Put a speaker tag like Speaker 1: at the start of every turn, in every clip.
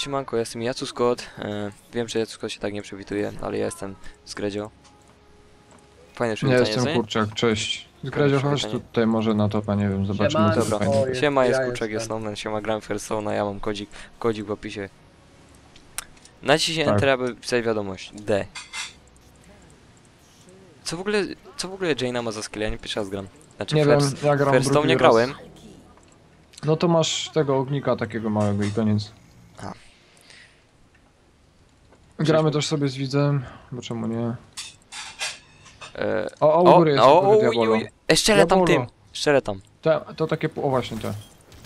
Speaker 1: siemanko, ja jestem Jacu Scott. Wiem, że Jacu Scott się tak nie przywituje, ale ja jestem z Gredzio. Fajne
Speaker 2: Ja
Speaker 1: przywitanie,
Speaker 2: jestem
Speaker 1: co nie?
Speaker 2: Kurczak, cześć. Zgradzio, chodź
Speaker 1: przywitanie.
Speaker 2: tutaj może na topa, nie wiem, zobaczymy.
Speaker 3: Siemanko.
Speaker 2: Co
Speaker 1: Dobra,
Speaker 2: fajne.
Speaker 1: siema, jest
Speaker 3: ja
Speaker 1: Kurczak, jest
Speaker 3: jestem.
Speaker 1: Snowman, siema, gram Hearthstone'a, ja mam kodzik w opisie. Naciśnij
Speaker 2: Tak.
Speaker 1: Enter, aby pisać wiadomość. D. Co w ogóle Jaina ma za skill? Ja nie pierwszy raz gram. Znaczy
Speaker 2: Nie
Speaker 1: w
Speaker 2: wiem,
Speaker 1: Hearth-
Speaker 2: ja gram
Speaker 1: w Hearthstone
Speaker 2: drugi
Speaker 1: nie
Speaker 2: raz.
Speaker 1: grałem.
Speaker 2: No to masz tego ognika takiego małego i koniec.
Speaker 1: A.
Speaker 2: Gramy też sobie z widzem, bo czemu nie?
Speaker 1: E,
Speaker 2: O, u góry jest
Speaker 1: o,
Speaker 2: Diabolo.
Speaker 1: Szczerę tam
Speaker 2: Diabolo.
Speaker 1: tym, szczerę tam.
Speaker 2: To takie, o właśnie te.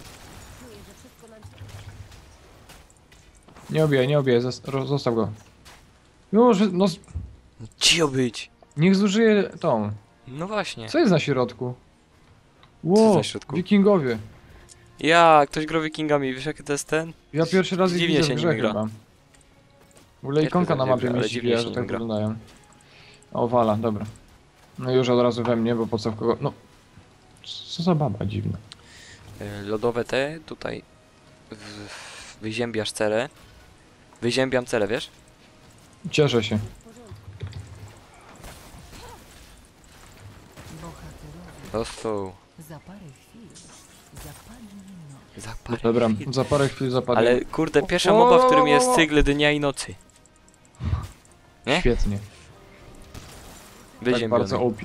Speaker 2: Nie obijaj, zostaw go. Już, no,
Speaker 1: Cio być.
Speaker 2: niech zużyje tą.
Speaker 1: No właśnie.
Speaker 2: Co jest na środku?
Speaker 1: jest
Speaker 2: Ło,
Speaker 1: na środku?
Speaker 2: wikingowie.
Speaker 1: Ja, ktoś gra wikingami, wiesz jaki to jest ten?
Speaker 2: Ja pierwszy raz ich
Speaker 1: Dziwnie
Speaker 2: widzę
Speaker 1: się
Speaker 2: w
Speaker 1: nimi
Speaker 2: grze
Speaker 1: gra.
Speaker 2: chyba. W ogóle
Speaker 1: Ja
Speaker 2: ikonka
Speaker 1: też
Speaker 2: na
Speaker 1: tak
Speaker 2: mapie
Speaker 1: wiem,
Speaker 2: mi
Speaker 1: ale
Speaker 2: się
Speaker 1: dziwnie
Speaker 2: wie,
Speaker 1: się
Speaker 2: że
Speaker 1: nim
Speaker 2: tak
Speaker 1: gra.
Speaker 2: wyglądają. O, wala, dobra. No już od razu we mnie, bo po co w kogo... No... Co za baba dziwna.
Speaker 1: Lodowe te, tutaj wyziębiasz cele. Wyziębiam cele, wiesz?
Speaker 2: Cieszę się.
Speaker 1: Dostał.
Speaker 4: Za parę chwil zapadnie noc.
Speaker 1: Za parę
Speaker 2: Dobra,
Speaker 1: chwil.
Speaker 2: za parę chwil zapadnie.
Speaker 1: Ale kurde, pierwsza
Speaker 2: O,
Speaker 1: moba, w którym
Speaker 2: o,
Speaker 1: jest
Speaker 2: o.
Speaker 1: cykl dnia i nocy. nie?
Speaker 2: Świetnie. Tak
Speaker 1: Wyziębiony.
Speaker 2: bardzo OP.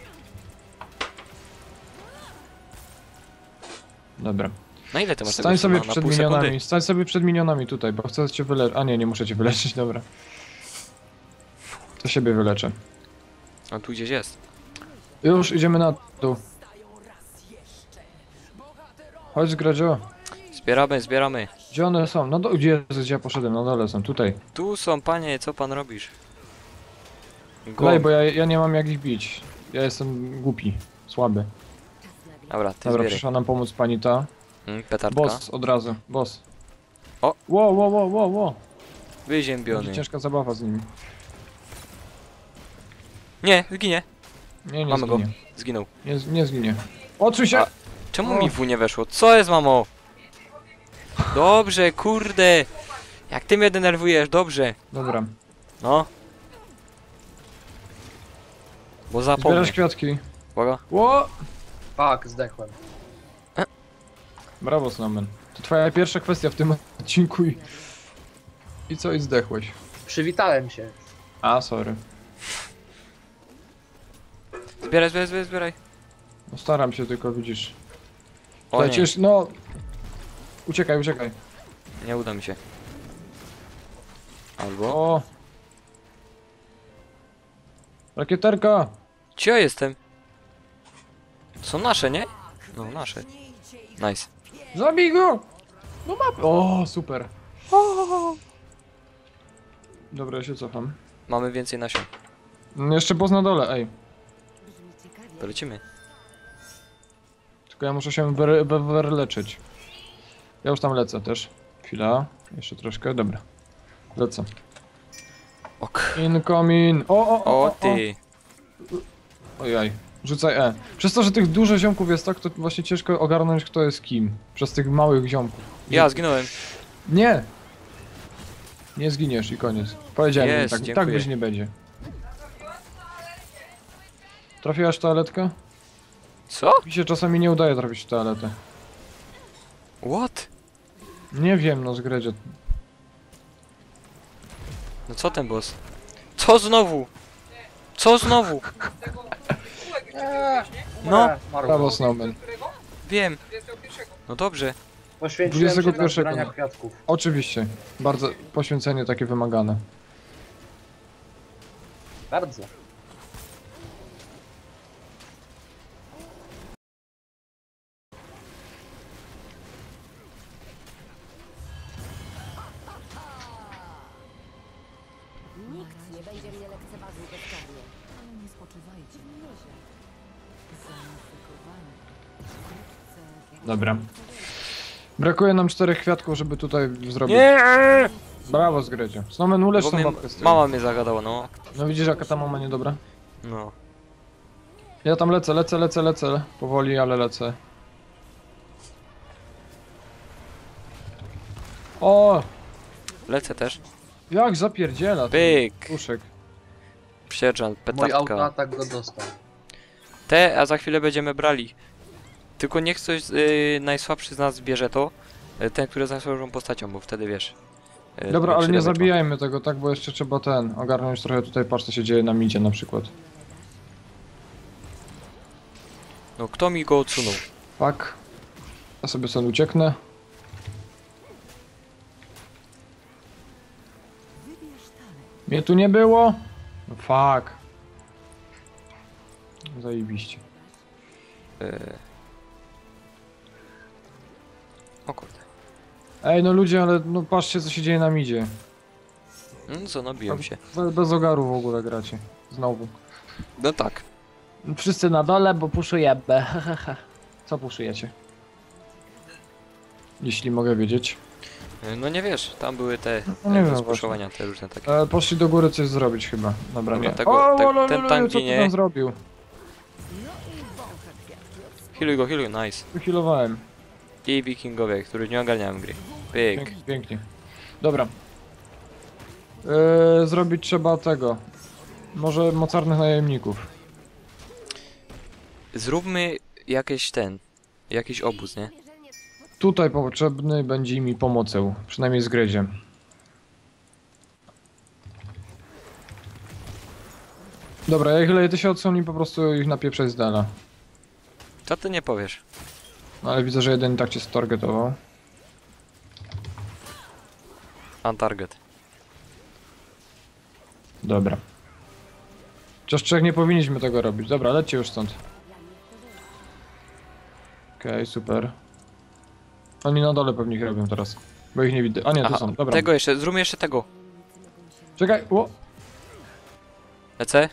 Speaker 2: Dobra.
Speaker 1: Na ile ty masz
Speaker 2: Stań
Speaker 1: tego
Speaker 2: sobie
Speaker 1: suna? Na
Speaker 2: przed
Speaker 1: pół
Speaker 2: minionami,
Speaker 1: sekundy?
Speaker 2: stań sobie przed minionami tutaj, bo chcę cię wyleczyć. A nie muszę cię wyleczyć, dobra. To siebie wyleczę.
Speaker 1: A tu gdzieś jest.
Speaker 2: Już idziemy na dół. Chodź Zgradzio.
Speaker 1: Zbieramy.
Speaker 2: Gdzie one są? No gdzie ja poszedłem? Na dole są, tutaj.
Speaker 1: Tu są, panie, co pan robisz?
Speaker 2: Lej, bo ja nie mam jak ich bić. Ja jestem głupi, słaby.
Speaker 1: Dobra, ty
Speaker 2: Dobra,
Speaker 1: zbieraj.
Speaker 2: przyszła nam pomóc pani ta.
Speaker 1: Petardka.
Speaker 2: Boss od razu, boss.
Speaker 1: O!
Speaker 2: Wow. Będzie
Speaker 1: Wyziębiony.
Speaker 2: ciężka zabawa z nimi.
Speaker 1: Nie, zginie.
Speaker 2: Nie
Speaker 1: Mamy go.
Speaker 2: zginie.
Speaker 1: Zginął.
Speaker 2: Nie zginie. Odsuń się!
Speaker 1: A- Czemu
Speaker 2: O.
Speaker 1: mi w nie weszło? Co jest, mamo? Dobrze, kurde. Jak ty mnie denerwujesz, dobrze.
Speaker 2: Dobra.
Speaker 1: No. Bo zapomnę.
Speaker 2: Zbierasz kwiatki.
Speaker 1: Uwaga.
Speaker 2: Ło!
Speaker 3: Fuck, zdechłem.
Speaker 2: Brawo, Snowman. To twoja pierwsza kwestia w tym odcinku i... I co? I zdechłeś.
Speaker 3: Przywitałem się.
Speaker 2: A, sorry.
Speaker 1: Zbieraj.
Speaker 2: No staram się, tylko widzisz.
Speaker 1: O nie,
Speaker 2: Lecisz, no... Uciekaj.
Speaker 1: nie uda mi się. Albo...
Speaker 2: O! Rakieterka!
Speaker 1: Gdzie ja jestem? Są nasze, nie? No, nasze. Nice.
Speaker 2: Zabij go! No mapę! O, super. Dobra, ja się cofam.
Speaker 1: Mamy więcej nasion.
Speaker 2: Jeszcze boss na dole, ej.
Speaker 1: To lecimy.
Speaker 2: Tylko ja muszę się wyleczyć. Ja już tam lecę też. Chwila. Jeszcze troszkę, dobra. Lecę.
Speaker 1: Ok.
Speaker 2: Incoming!
Speaker 1: O ty.
Speaker 2: Ojaj. Rzucaj E. Przez to, że tych dużo ziomków jest tak, to właśnie ciężko ogarnąć kto jest kim. Przez tych małych ziomków.
Speaker 1: Ja zginąłem.
Speaker 2: Nie! Nie zginiesz i koniec. Powiedziałem im
Speaker 1: Jest,
Speaker 2: tak, tak
Speaker 1: dziękuję.
Speaker 2: być nie będzie. Trafiłaś w toaletkę?
Speaker 1: Co?
Speaker 2: Mi się czasami nie udaje trafić w toaletę.
Speaker 1: What?
Speaker 2: Nie wiem, no zgredzie.
Speaker 1: No co ten boss? Co znowu? Co znowu? No.
Speaker 2: Brawo, Snowman.
Speaker 1: Wiem. No dobrze.
Speaker 3: Poświęciłem się dla
Speaker 2: 21.
Speaker 3: zbierania kwiatków.
Speaker 2: Oczywiście. Bardzo poświęcenie takie wymagane.
Speaker 3: Bardzo.
Speaker 4: Nikt nie będzie mnie lekceważył bezkarnie. Ale nie spoczywajcie na lozie. Zainfekowani. Wkrótce...
Speaker 2: Dobra. Brakuje nam 4 kwiatków, żeby tutaj zrobić.
Speaker 1: Nie!
Speaker 2: Brawo, zgredzie. Snowman, ulecz
Speaker 1: Bo
Speaker 2: tą
Speaker 1: mnie,
Speaker 2: babkę z tyłu.
Speaker 1: mama mnie zagadała, no.
Speaker 2: No widzisz, jaka ta mama niedobra?
Speaker 1: No.
Speaker 2: Ja tam lecę. Powoli, ale lecę. O!
Speaker 1: Lecę też.
Speaker 2: Jak zapierdziela ten
Speaker 1: Pyk!
Speaker 2: puszek.
Speaker 1: Sierżant,
Speaker 3: Mój
Speaker 1: petardka.
Speaker 3: autoatak go dostał.
Speaker 1: A za chwilę będziemy brali. Tylko niech ktoś najsłabszy z nas bierze to. Ten, który jest najsłabszą postacią, bo wtedy wiesz.
Speaker 2: Dobra, ale nie
Speaker 1: damage ma.
Speaker 2: zabijajmy tego, tak? Bo jeszcze trzeba ogarnąć trochę tutaj, patrz co się dzieje na midzie na przykład.
Speaker 1: No kto mi go odsunął?
Speaker 2: Fuck. Ja sobie stąd ucieknę. Mnie tu nie było? No fuck. Zajebiście.
Speaker 1: O kurde.
Speaker 2: Ej, no ludzie, ale no patrzcie co się dzieje na midzie.
Speaker 1: No co, no biją się.
Speaker 2: Bez ogaru w ogóle gracie. Znowu.
Speaker 1: No tak.
Speaker 2: Wszyscy na dole, bo puszuję B. Co puszujecie? Jeśli mogę wiedzieć.
Speaker 1: No nie wiesz, tam były te
Speaker 2: No nie wiem
Speaker 1: spuszowania, te różne takie.
Speaker 2: Poszli do góry coś zrobić chyba. Dobra,
Speaker 1: Dobra,
Speaker 2: nie.
Speaker 1: tego- te-
Speaker 2: lol,
Speaker 1: ten
Speaker 2: lol,
Speaker 1: tank
Speaker 2: co ty
Speaker 1: ginie.
Speaker 2: tam zrobił?
Speaker 1: Healuj go, nice.
Speaker 2: Wychilowałem.
Speaker 1: I wikingowie, którzy nie ogarniają gry. Pyk.
Speaker 2: Pięknie, pięknie. Dobra. Zrobić trzeba tego. Może mocarnych najemników.
Speaker 1: Zróbmy jakiś obóz, nie?
Speaker 2: Tutaj potrzebny będzie mi pomocą. Przynajmniej z Gryziem. Dobra, jak leje ty się odsłoni, po prostu ich napieprzaj z dala.
Speaker 1: Co ty nie powiesz?
Speaker 2: No ale widzę, że jeden i tak cię stargetował.
Speaker 1: On target.
Speaker 2: Dobra. Chociaż trzech nie powinniśmy tego robić. Dobra, lećcie już stąd. Okej, super. Oni na dole pewnie ich robią teraz. Bo ich nie widzę. A nie, tu
Speaker 1: Aha,
Speaker 2: są. Dobra.
Speaker 1: tego jeszcze, zróbmy jeszcze tego.
Speaker 2: Czekaj, o!
Speaker 1: Lecę.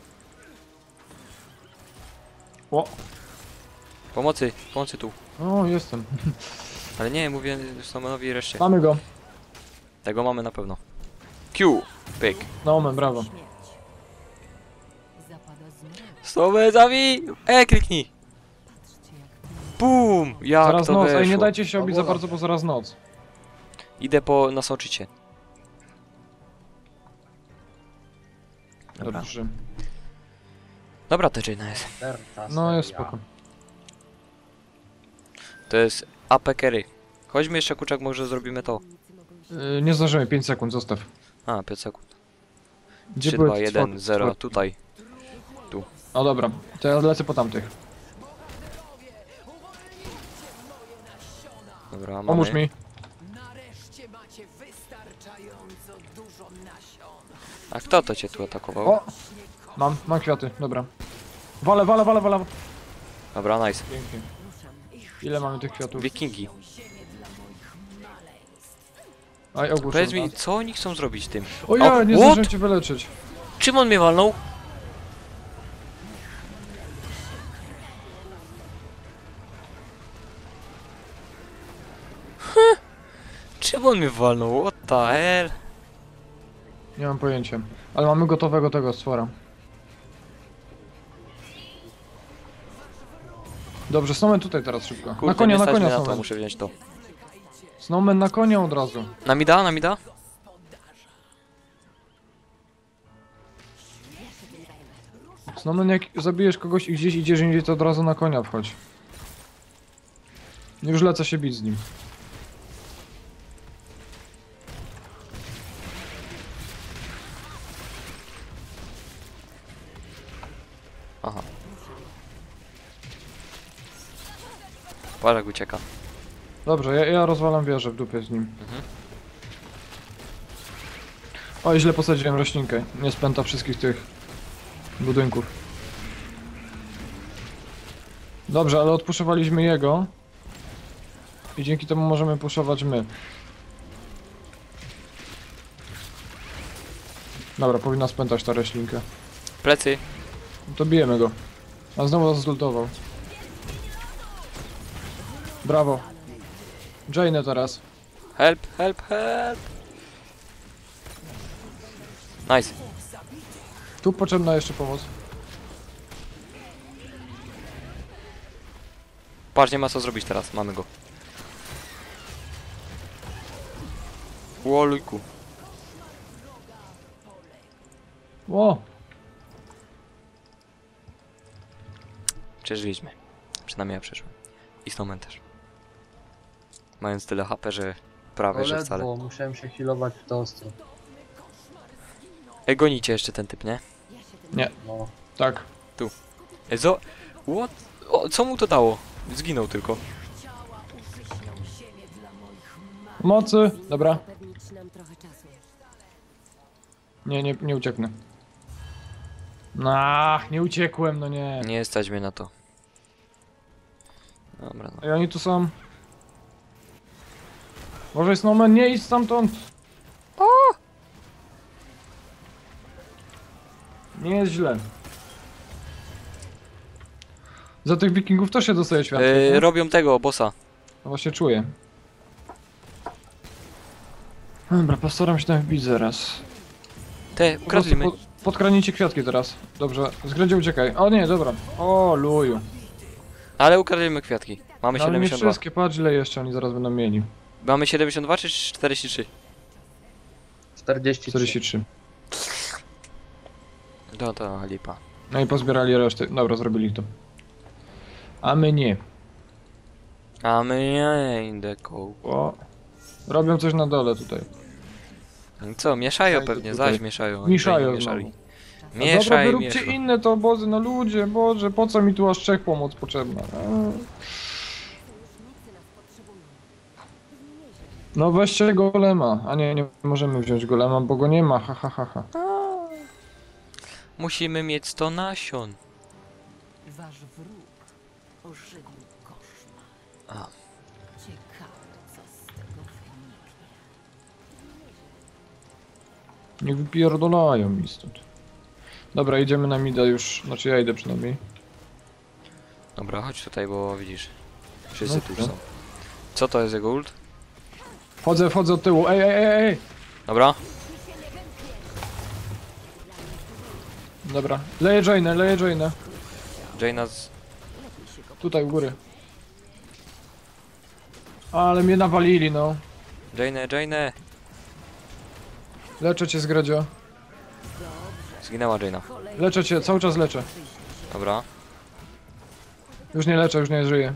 Speaker 2: O!
Speaker 1: Pomocy tu.
Speaker 2: O, jestem.
Speaker 1: Ale nie, mówię Snowmanowi i reszcie.
Speaker 2: Mamy go.
Speaker 1: Tego mamy na pewno. Q. Pyk.
Speaker 2: No, brawo.
Speaker 4: Zapada znowu.
Speaker 1: Snowman zabij! Kliknij! Bum! Jak
Speaker 2: Zaraz
Speaker 1: to
Speaker 2: noc.
Speaker 1: weszło?
Speaker 2: Ej, nie dajcie się obić za
Speaker 3: Dobra.
Speaker 2: bardzo, bo zaraz noc.
Speaker 1: Idę po nasoczycie. Dobra.
Speaker 2: Dobrze.
Speaker 1: Dobra, to Jaina jest.
Speaker 3: Derta
Speaker 2: No, jest
Speaker 3: seria.
Speaker 2: spoko.
Speaker 1: To jest AP carry. Chodźmy jeszcze, Kuczak, może zrobimy to.
Speaker 2: Nie zdążymy, 5 sekund, zostaw.
Speaker 1: A, 5 sekund.
Speaker 2: Gdzie
Speaker 1: 3,
Speaker 2: były
Speaker 1: 2,
Speaker 2: te
Speaker 1: 1,
Speaker 2: stworki?
Speaker 1: 0, tutaj.
Speaker 2: O dobra, to ja lecę po tamtych.
Speaker 1: Dobra, mamy.
Speaker 2: Pomóż mi.
Speaker 5: Nareszcie macie wystarczająco dużo nasion.
Speaker 1: A kto to cię tu atakował?
Speaker 2: O! Mam kwiaty, dobra. Wale.
Speaker 1: Dobra, nice.
Speaker 2: Pięknie. Ile mamy tych kwiatów?
Speaker 1: Wikingi.
Speaker 2: Aj, ogłuszam.
Speaker 1: Powiedz mi, co oni chcą zrobić tym?
Speaker 2: O ja,
Speaker 1: O,
Speaker 2: nie
Speaker 1: what?
Speaker 2: zdążyłem cię wyleczyć.
Speaker 1: Czym on mnie walnął? Czym on mnie walnął? What the hell?
Speaker 2: Nie mam pojęcia. Ale mamy gotowego tego stwora. Dobrze, Snowman tutaj teraz szybko.
Speaker 1: Kurde,
Speaker 2: na konia,
Speaker 1: nie
Speaker 2: na
Speaker 1: stać
Speaker 2: konia
Speaker 1: mnie na to,
Speaker 2: Snowman.
Speaker 1: muszę wziąć to.
Speaker 2: Snowman na konia od razu.
Speaker 1: Na mida, na mida?
Speaker 2: Snowman, jak zabijesz kogoś i gdzieś idziesz indziej, to od razu na konia wchodź. Już lecę się bić z nim.
Speaker 1: Aha. Patrz jak ucieka.
Speaker 2: Dobrze, ja rozwalam wieżę w dupie z nim.
Speaker 1: Mhm.
Speaker 2: Oj, źle posadziłem roślinkę. Nie spęta wszystkich tych budynków. Dobrze, ale odpuszowaliśmy jego. I dzięki temu możemy puszować my. Dobra, powinna spętać ta roślinkę.
Speaker 1: Plecy.
Speaker 2: To bijemy go. A znowu nas zlutował. Brawo. Jaina teraz.
Speaker 1: Help, help, help. Nice.
Speaker 2: Tu potrzebna jeszcze pomoc.
Speaker 1: Patrz, nie ma co zrobić teraz, mamy go. Łolujku.
Speaker 2: O!
Speaker 1: Przeżyliśmy. Przynajmniej ja przeszłem. I Snowman też. Mając tyle HP, że prawie, że wcale.
Speaker 3: Ledwo, musiałem się healować w to ostro.
Speaker 1: Ej, gonicie jeszcze ten typ, nie?
Speaker 3: No.
Speaker 2: Tak.
Speaker 1: Ej, What? O, co mu to dało? Zginął tylko.
Speaker 2: Mocy! Dobra.
Speaker 4: Zapewnić nam trochę czasu.
Speaker 2: Nie ucieknę. Nie uciekłem, no nie.
Speaker 1: Nie stać mnie na to. Dobra, no.
Speaker 2: I oni tu są. Może Snowman, nie idź stamtąd! Nie jest źle. Za tych wikingów też się dostaje światło. nie?
Speaker 1: Robią tego, bossa.
Speaker 2: No właśnie czuję. Dobra, postaram się tam wbić zaraz.
Speaker 1: Te,
Speaker 2: Po prostu
Speaker 1: ukradliśmy.
Speaker 2: podkradnijcie kwiatki teraz. Dobrze, zgrędzie uciekaj. O nie, dobra. O luju.
Speaker 1: Ale ukradliśmy kwiatki. Mamy
Speaker 2: No, ale nie
Speaker 1: 72.
Speaker 2: wszystkie, patrz ile jeszcze oni zaraz będą mieli.
Speaker 1: Mamy 72 czy 43?
Speaker 3: 43.
Speaker 2: 43.
Speaker 1: To lipa.
Speaker 2: No i pozbierali resztę. Dobra, zrobili to. A my nie.
Speaker 1: A my nie in the cold.
Speaker 2: O. Robią coś na dole tutaj.
Speaker 1: Co, mieszają
Speaker 2: Daj
Speaker 1: pewnie,
Speaker 2: tutaj.
Speaker 1: zaś mieszają. Oni
Speaker 2: Mieszają
Speaker 1: tutaj mieszali.
Speaker 2: znowu. Dobra,
Speaker 1: Mieszaj,
Speaker 2: wyróbcie
Speaker 1: mieszaj.
Speaker 2: inne to obozy, no ludzie, Boże, po co mi tu aż 3 pomoc potrzebna? No weźcie golema, a nie możemy wziąć golema, bo go nie ma, ha ha ha ha.
Speaker 1: Musimy mieć 100 nasion.
Speaker 5: Wasz wróg ożywił koszmar.
Speaker 1: A.
Speaker 5: Ciekawe, co z tego wyniknie.
Speaker 2: Niech wypierdolają mi stąd. Dobra, idziemy na mida już, znaczy ja idę przynajmniej.
Speaker 1: Dobra, chodź tutaj, bo widzisz. Wszyscy
Speaker 2: No,
Speaker 1: tu już
Speaker 2: no.
Speaker 1: są. Co to jest jego ult?
Speaker 2: Wchodzę od tyłu, ej!
Speaker 1: Dobra.
Speaker 2: Dobra, leję Jane'ę.
Speaker 1: Jaina z...
Speaker 2: Tutaj u góry. Ale mnie nawalili, no.
Speaker 1: Jainę.
Speaker 2: Leczę cię z Gredzio.
Speaker 1: Zginęła Jaina.
Speaker 2: Leczę cię, cały czas leczę.
Speaker 1: Dobra.
Speaker 2: Już nie leczę, już nie żyję.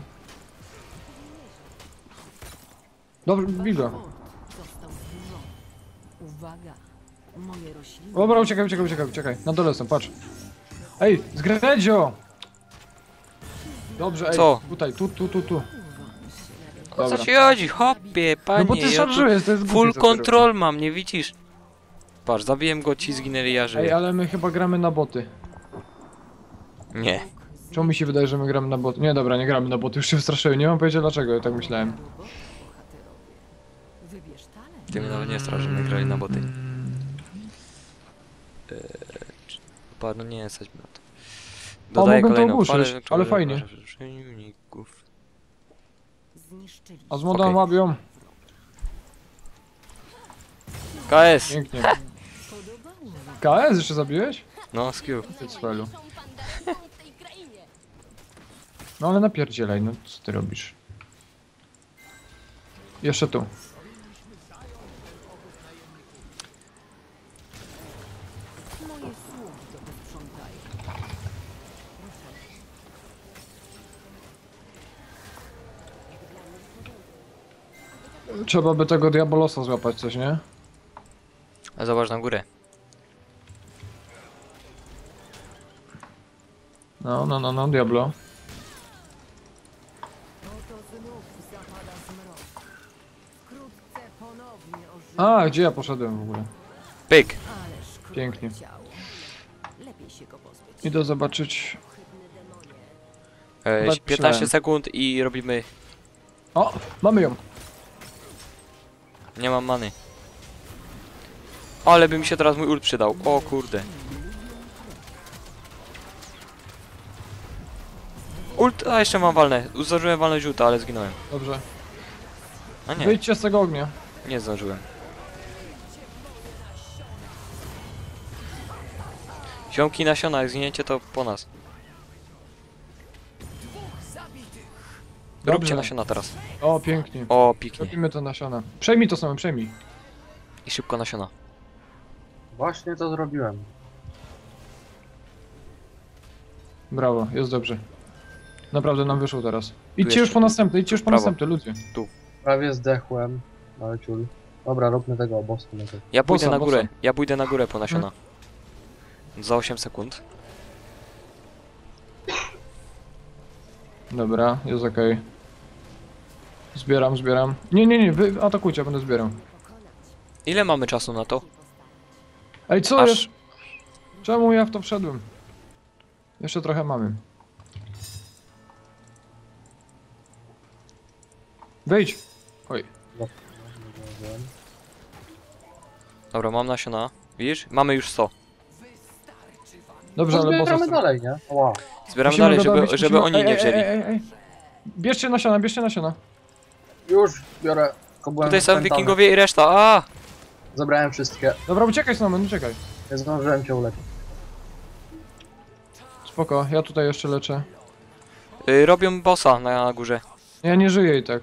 Speaker 2: Dobrze, bij go.
Speaker 5: Został zburzony. Uwaga, moje rośliny...
Speaker 2: Dobra, uciekaj. Na dole są, patrz. Ej, z Gredzio! Dobrze, ej.
Speaker 1: Co?
Speaker 2: Tutaj, tu.
Speaker 1: O co
Speaker 2: Dobra.
Speaker 1: ci chodzi? Hopie, panie.
Speaker 2: No bo ty
Speaker 1: ja tu
Speaker 2: szarżujesz, to jest głupie,
Speaker 1: full
Speaker 2: co ty
Speaker 1: control mam, nie widzisz? Patrz, zabiłem go, ci zginęli, ja
Speaker 2: robisz. Ej,
Speaker 1: żyję.
Speaker 2: ale my chyba gramy na boty.
Speaker 1: Nie.
Speaker 2: Czemu mi się wydaje, że my gramy na boty? Nie, dobra, nie gramy na boty, już się wystraszyłem. Nie mam pojęcia dlaczego, ja tak myślałem.
Speaker 5: Wybierz talent.
Speaker 1: Ty mnie nawet nie strasz, że my grali na boty. No nie, stać mi na to. Dodaję
Speaker 2: mogłem to
Speaker 1: kolejną
Speaker 2: ogłuszyć,
Speaker 1: falę,
Speaker 2: ale fajnie.
Speaker 1: przeciwników.
Speaker 5: Zniszczyli.
Speaker 2: A z modą
Speaker 1: Okej.
Speaker 2: łabią.
Speaker 1: KS!
Speaker 2: Pięknie.
Speaker 5: Podobało mi się.
Speaker 2: KS jeszcze zabiłeś?
Speaker 1: No, skill.
Speaker 2: Ty cwelu. No ale napierdzielaj, no co ty robisz? Jeszcze tu.
Speaker 5: Moje sługi to posprzątają.
Speaker 2: Trzeba by tego Diabolosa złapać coś, nie?
Speaker 1: A zobacz na górę.
Speaker 2: No, Diablo.
Speaker 5: Oto znów zapada zmrok. Wkrótce ponownie ożywi.
Speaker 2: A, gdzie ja poszedłem w ogóle?
Speaker 1: Pyk!
Speaker 5: Ależ krótkie
Speaker 2: Pięknie.
Speaker 5: ciało. Lepiej się go pozbyć.
Speaker 2: Idę zobaczyć.
Speaker 1: E,
Speaker 2: Chyba
Speaker 1: 15
Speaker 2: myślałem.
Speaker 1: sekund i robimy...
Speaker 2: O, mamy ją.
Speaker 1: Nie mam many. Ale by mi się teraz mój ult przydał. O kurde. Ult, a jeszcze mam walne. Zdążyłem walnąć ulta, ale zginąłem.
Speaker 2: Dobrze.
Speaker 1: A nie,
Speaker 2: Wyjdźcie z tego ognia.
Speaker 1: nie zdążyłem. Ziomki nasiona, jak zginiecie to po nas.
Speaker 2: Dobrze.
Speaker 1: Róbcie nasiona teraz.
Speaker 2: O, pięknie.
Speaker 1: O, piknie.
Speaker 2: Robimy to nasiona. Przejmij to samo, przejmij.
Speaker 1: I szybko nasiona.
Speaker 3: Właśnie to zrobiłem.
Speaker 2: Brawo, jest dobrze. Naprawdę nam wyszło teraz. Idźcie
Speaker 1: jeszcze
Speaker 2: już po następne, idźcie już po
Speaker 1: prawo.
Speaker 2: następne, ludzie.
Speaker 3: Prawie zdechłem. Ale ciul. Dobra, róbmy tego obozu.
Speaker 1: Ja pójdę
Speaker 2: Bossa,
Speaker 1: na górę.
Speaker 2: bossa.
Speaker 1: Ja pójdę na górę po nasiona. Za 8 sekund.
Speaker 2: Dobra, jest okej. Zbieram, zbieram. Nie, wy atakujcie, ja będę zbierał.
Speaker 1: Ile mamy czasu na to?
Speaker 2: Ej, co
Speaker 1: Aż-
Speaker 2: jest? Czemu ja w to wszedłem? Jeszcze trochę mamy. Wejdź! Oj.
Speaker 1: Dobra, mam nasiona. Widzisz? Mamy już 100.
Speaker 2: Dobrze,
Speaker 3: No
Speaker 2: ale bossa
Speaker 3: zbieramy
Speaker 2: chcę.
Speaker 3: dalej, nie? Ła.
Speaker 1: Zbieramy
Speaker 2: Musimy
Speaker 1: dalej,
Speaker 2: go
Speaker 1: żeby,
Speaker 2: dobić,
Speaker 1: żeby
Speaker 2: musimy-
Speaker 1: oni nie wzięli.
Speaker 2: Ej. Bierzcie nasiona, bierzcie nasiona.
Speaker 3: Już biorę. Tylko byłem
Speaker 1: Tutaj są
Speaker 3: spętany.
Speaker 1: wikingowie i reszta. A!
Speaker 3: Zabrałem wszystkie.
Speaker 2: Dobra, uciekaj Snowman, uciekaj.
Speaker 3: Nie zdążyłem cię uleczyć.
Speaker 2: Spoko, ja tutaj jeszcze leczę.
Speaker 1: Robią bossa na górze.
Speaker 2: Ja nie żyję i tak.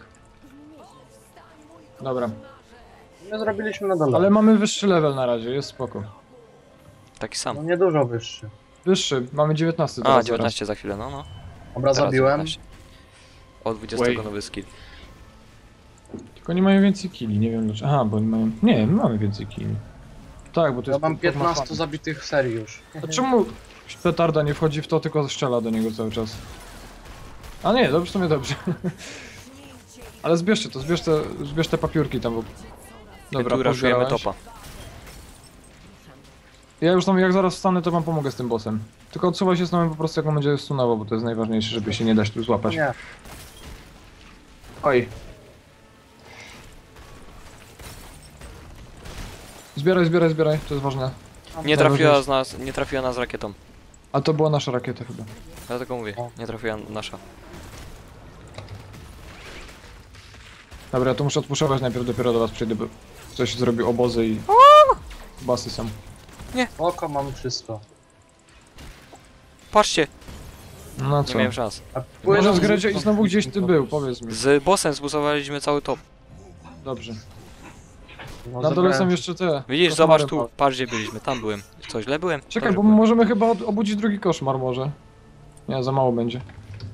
Speaker 2: Dobra,
Speaker 3: Nie zrobiliśmy na dole.
Speaker 2: ale mamy wyższy level na razie, jest spoko.
Speaker 1: Taki
Speaker 3: No
Speaker 1: sam.
Speaker 3: nie dużo wyższy.
Speaker 2: Wyższy, mamy 19
Speaker 1: A,
Speaker 2: teraz
Speaker 1: 19 za chwilę, no.
Speaker 3: Dobra,
Speaker 1: Teraz
Speaker 3: zabiłem.
Speaker 1: 19. O 20
Speaker 2: Wait.
Speaker 1: nowy skill.
Speaker 2: zaraz. Tylko nie mają więcej killi, nie wiem dlaczego. Aha, bo oni mają... Nie, my mamy więcej killi. Tak, bo to
Speaker 3: Ja
Speaker 2: jest...
Speaker 3: mam
Speaker 2: to ma
Speaker 3: 15
Speaker 2: fan.
Speaker 3: zabitych w serii już.
Speaker 2: A czemu petarda nie wchodzi w to, tylko strzela do niego cały czas? A nie, dobrze, to mnie dobrze. Ale zbierzcie to, zbierz te papiurki tam, bo...
Speaker 1: Dobra, tu raszujemy
Speaker 2: pozbierałeś.
Speaker 1: topa.
Speaker 2: Ja już tam, jak zaraz wstanę, to wam pomogę z tym bossem. Tylko odsuwaj się z nami po prostu, jak on będzie stunował, bo to jest najważniejsze, żeby się nie dać tu złapać.
Speaker 3: Nie.
Speaker 2: Oj. Zbieraj, to jest ważne.
Speaker 1: Nie trafiła z nas, nie trafiła nas rakietą.
Speaker 2: A to była nasza rakieta chyba.
Speaker 1: Dlatego mówię,
Speaker 3: O.
Speaker 1: nie trafiła nasza.
Speaker 2: Dobra, to muszę odpuszować najpierw, dopiero do was przyjdę, bo ktoś zrobił obozy i... Basy są.
Speaker 3: Oko mam wszystko.
Speaker 1: Patrzcie,
Speaker 2: No
Speaker 1: nie
Speaker 2: co?
Speaker 1: miałem szans.
Speaker 3: A
Speaker 2: Może
Speaker 3: płyną
Speaker 2: z Gredzie
Speaker 3: z-
Speaker 2: i znowu gdzieś ty był, powiedz mi.
Speaker 1: Z bossem zbusowaliśmy cały top.
Speaker 2: Dobrze.
Speaker 3: No,
Speaker 2: Na dole
Speaker 3: zabrałem
Speaker 2: są jeszcze te.
Speaker 1: Widzisz,
Speaker 2: koszmary
Speaker 1: zobacz tu, patrz gdzie byliśmy, tam byłem. Co, źle byłem?
Speaker 2: Czekaj,
Speaker 1: Dobrze
Speaker 2: bo
Speaker 1: byłem.
Speaker 2: możemy chyba obudzić drugi koszmar może. Nie, za mało będzie.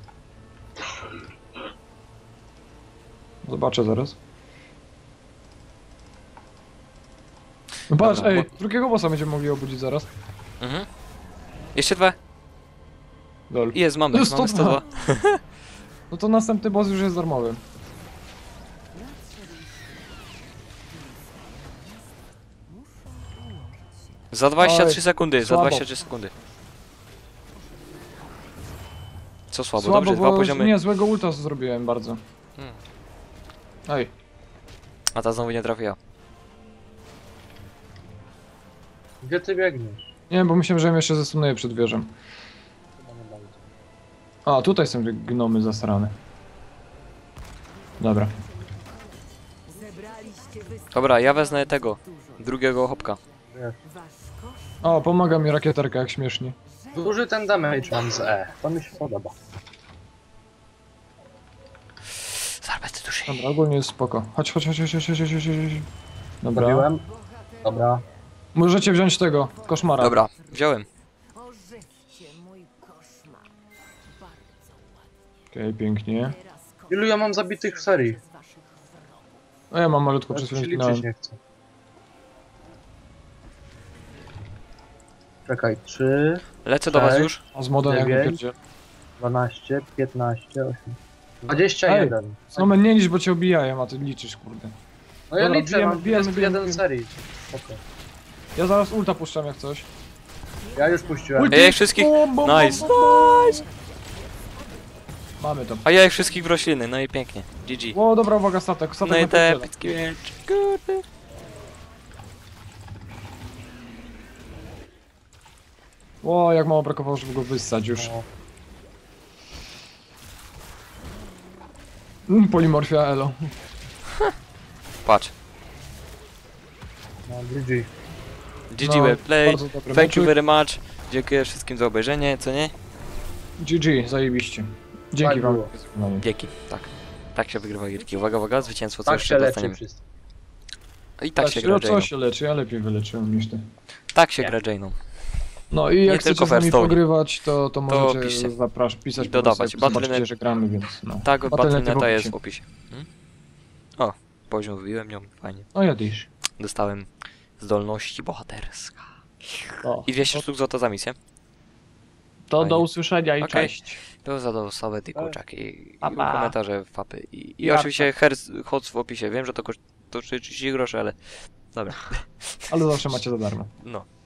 Speaker 2: Zobaczę zaraz. No patrz,
Speaker 1: Dobra,
Speaker 2: ej, drugiego bossa będziemy mogli obudzić zaraz.
Speaker 1: Mhm. Jeszcze dwa.
Speaker 2: Lol.
Speaker 1: Jest, mamy,
Speaker 2: Jest
Speaker 1: mamy
Speaker 2: 102.
Speaker 1: 102.
Speaker 2: No to następny boss już jest darmowy.
Speaker 1: Za 23
Speaker 2: Oj,
Speaker 1: sekundy, za
Speaker 2: słabo.
Speaker 1: 23 sekundy. Co słabo,
Speaker 2: Słabo,
Speaker 1: dobrze, dwa
Speaker 2: bo
Speaker 1: poziomy.
Speaker 2: nie, złego ulta zrobiłem bardzo.
Speaker 1: Hmm.
Speaker 2: Ej,
Speaker 1: A ta znowu nie trafiła.
Speaker 3: Gdzie ty biegniesz?
Speaker 2: nie, bo myślałem, że ją jeszcze zestunuję przed wieżą.
Speaker 3: Chyba nie bardzo.
Speaker 2: A, tutaj są te gnomy zasrane. Dobra.
Speaker 1: Dobra, ja wezmę tego, drugiego hopka.
Speaker 3: Wiesz.
Speaker 2: O, pomaga mi rakieterka, jak śmiesznie.
Speaker 3: Duży ten damage mam z E. To mi się podoba.
Speaker 1: Zarbety duszy.
Speaker 2: Dobra, ogólnie jest spoko. Chodź. Dobra.
Speaker 3: Zabiłem. Dobra.
Speaker 2: Możecie wziąć tego, koszmara.
Speaker 1: Dobra, wziąłem.
Speaker 5: Ożywcie mój koszmar. Bardzo ładnie.
Speaker 2: Okej, pięknie.
Speaker 5: Teraz
Speaker 3: Ilu ja mam zabitych w serii?
Speaker 5: z waszych wrogów.
Speaker 2: A ja mam malutko,
Speaker 3: Teraz
Speaker 2: przez
Speaker 3: się
Speaker 2: chwilę
Speaker 3: liczyć
Speaker 2: zginąłem.
Speaker 3: nie chcę. Czekaj, 3,
Speaker 1: Lecę do was
Speaker 3: Cześć.
Speaker 1: już.
Speaker 2: A z modem jak
Speaker 3: 9.
Speaker 2: wypierdzie.
Speaker 3: 12, 15, 8. 21.
Speaker 2: Snowman, nie licz, bo cię obijają, a ty liczysz, kurde.
Speaker 3: No ja
Speaker 2: Dobra,
Speaker 3: liczę,
Speaker 2: bijemy,
Speaker 3: mam
Speaker 2: bijemy,
Speaker 3: 21
Speaker 2: bijemy.
Speaker 3: serii. Spoko.
Speaker 2: Ja zaraz ulta puszczam jak coś.
Speaker 3: Ja już puściłem.
Speaker 2: Ulti!
Speaker 1: Ej, wszystkich. Nice.
Speaker 2: Mamy to.
Speaker 1: A ja ich wszystkich w rośliny, no i pięknie. GG.
Speaker 2: O, dobra, uwaga, statek.
Speaker 1: No
Speaker 2: Statek
Speaker 1: i
Speaker 2: na
Speaker 1: te
Speaker 2: pierdziele.
Speaker 1: pytki miecz. Kurde.
Speaker 2: O, jak mało brakowało, żeby go wyssać już.
Speaker 3: No,
Speaker 2: Polimorfia elo.
Speaker 1: Patrz.
Speaker 3: no GG.
Speaker 1: GG
Speaker 2: No,
Speaker 1: well play.
Speaker 2: bardzo dobry
Speaker 1: Thank you
Speaker 2: meczyk.
Speaker 1: very much. Dziękuję wszystkim za obejrzenie, co nie?
Speaker 2: GG, zajebiście. Dzięki
Speaker 3: Tak
Speaker 2: wam.
Speaker 3: było.
Speaker 1: Dzięki. Tak. Tak się wygrywa gierki. Uwaga, uwaga, zwycięstwo co
Speaker 3: Tak
Speaker 1: jeszcze
Speaker 3: się leczy
Speaker 1: dostaniemy.
Speaker 3: wszystko.
Speaker 1: I tak się gra
Speaker 2: no co
Speaker 1: Jane'ą.
Speaker 2: się leczy, ja lepiej wyleczyłem niż ty.
Speaker 1: Tak się gra Jane'ą.
Speaker 2: No i
Speaker 1: Nie
Speaker 2: jak
Speaker 1: tylko
Speaker 2: chcecie
Speaker 1: w
Speaker 2: z nami
Speaker 1: Hearthstone.
Speaker 2: pogrywać, to możecie
Speaker 1: piszcie.
Speaker 2: pisać
Speaker 1: I dodawać.
Speaker 2: po prostu, jak
Speaker 1: Battle.net.
Speaker 2: zobaczycie, że gramy, więc no.
Speaker 1: Tak,
Speaker 2: Battle.net
Speaker 1: Battle.neta
Speaker 2: w
Speaker 1: jest
Speaker 2: opisie.
Speaker 1: w opisie. O, poziom wybiłem ją, fajnie.
Speaker 2: No ja też.
Speaker 1: Dostałem zdolności bohaterska.
Speaker 2: O,
Speaker 1: I 200 sztuk złota za misję.
Speaker 2: to
Speaker 1: fajnie.
Speaker 2: do usłyszenia i
Speaker 1: Okej.
Speaker 2: cześć.
Speaker 1: Było za dostawy ty kurczaki i
Speaker 2: Pa, pa.
Speaker 1: komentarze, fapy. I
Speaker 2: Jarka.
Speaker 1: oczywiście HOTS w opisie. Wiem, że to kosztuje 30 groszy, ale dobra.
Speaker 2: Ale zawsze macie za darmo.
Speaker 1: No.